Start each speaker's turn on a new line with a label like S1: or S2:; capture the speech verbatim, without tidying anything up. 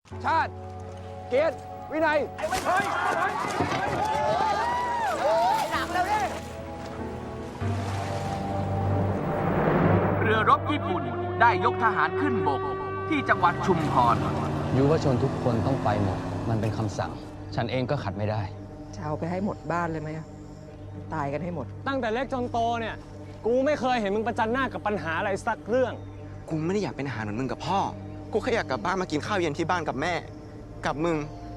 S1: ชาติเกียรติวินัยไอ้ไม่เคยหนักแล้วเนี่ย
S2: เรือรบญี่ปุ่นได้ยกทหารขึ้นบกที่จังหวัดชุมพร
S3: ยุวชนทุกคนต้องไปหมดมันเป็นคำสั่งฉันเองก็ขัดไม่ได้
S4: จะเอาไปให้หมดบ้านเลยไหมตายกันให้หมด
S5: ตั้งแต่เล็กจนโตเนี่ยกูไม่เคยเห็นมึงประจันหน้ากับปัญหาอะไรสักเรื่อง
S6: กูไม่ได้อยากเป็นทหารเหมือนมึงกับพ่อกูแค่อยากกลับบ้านมากินข้าวเย็นที่บ้านกับแม่กับมึง